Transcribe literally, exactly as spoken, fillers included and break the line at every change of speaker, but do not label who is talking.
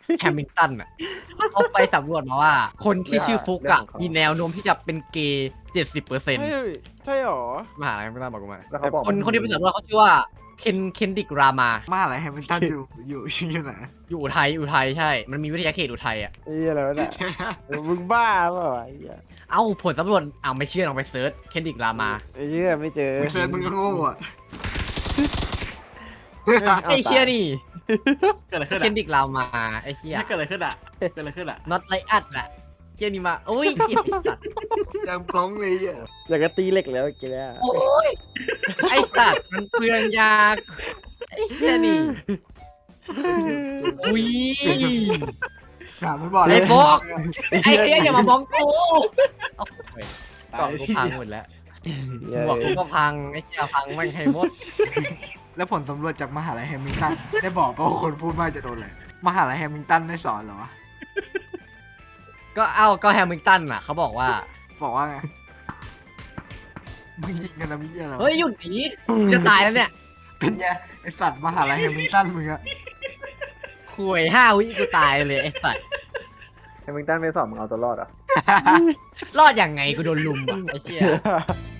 แฮมิลตันอ่ะเขาไปสำรวจมาว่า คนที่ชื่อฟุกอะมีแนวโน้มที่จะเป็นเกย์เจ็ดสิบเปอร์เซ็นต์
เฮ้ยใช่หรอ
มหาลัยแฮมิลตันบอกกูมา
แล้วเขาบอก
คนคนที่ไปสำรวจเขาชื่อว่าเคนเคนดิกรามา
มหาลัยแฮมิลตันอยู่อยู่อยู่ไหน
อยู่อุทัยอุทัยใช่ มันมีวิทยาเขตอุทัยอ่ะ
ไอ้เหี้ยอะไรวะเนี่ยมึงบ้าเปล่าวะไอ้เหี้ย
เอ้าผลสำรวจอ้าวไม่เชื่อลองไปเซิร์ชเคนดิกรามา
ไอ้เหี้ยไม่เจอ
มึงเซิร์ชมึงก็โง่อะ
ไอ้เชี่ยนี่
เกิดอะไรขึ้น
เคน
อ่ะ
ดิกรามาไอ้เชี่ย
เกิดอะไรขึ้นอ่ะเกิดอะไรขึ้นอ่ะ
not like us อะเชี่ยนี่มาโอ้ยเกลียดไอ้สัตว์
ยังพร้องเลยอ่ะ
อยากจะตีเหล็กแล้วกินแล้ว
โอ้ยไอ้สัตว์มันเปลืองยาไอ้เชี่ยนี่อุ้ย
ถามไม่บอกเล
ไอ้
ย
โฟกไอ้เหี้ยอย่ามามองกูโอ้ยกล่องกูพังหมดแล้วหัวกูก็พังไอ้เชี่ยพังไม่งให้หมด
แล้วผลสำรวจจากมหาลัยแฮมิลตันได้บอกป่ะว่าคนพูดมากจะโดนอะไรมหาลัยแฮมิลตันไม่สอนเหรอวะ
ก็เอ้าก็แฮมิลตันอ่ะเขาบอกว่า
บอกว่าไงมึงยิงกันนะมิเยอะไรวะ
เฮ้ยหยุดหนีจะตายแล้วเนี่ย
เป็นไงไอสัตว์มหาลัยแฮมิลตันมึงอะ
คุยห้าวิกูตายเลยไอ้สัตว์
แฮมิลตันไม่สอบมึงเอาตัวรอดเหรอ่ะ
รอดยังไงกูโดนลุมอ่ะไอ้เชี่ย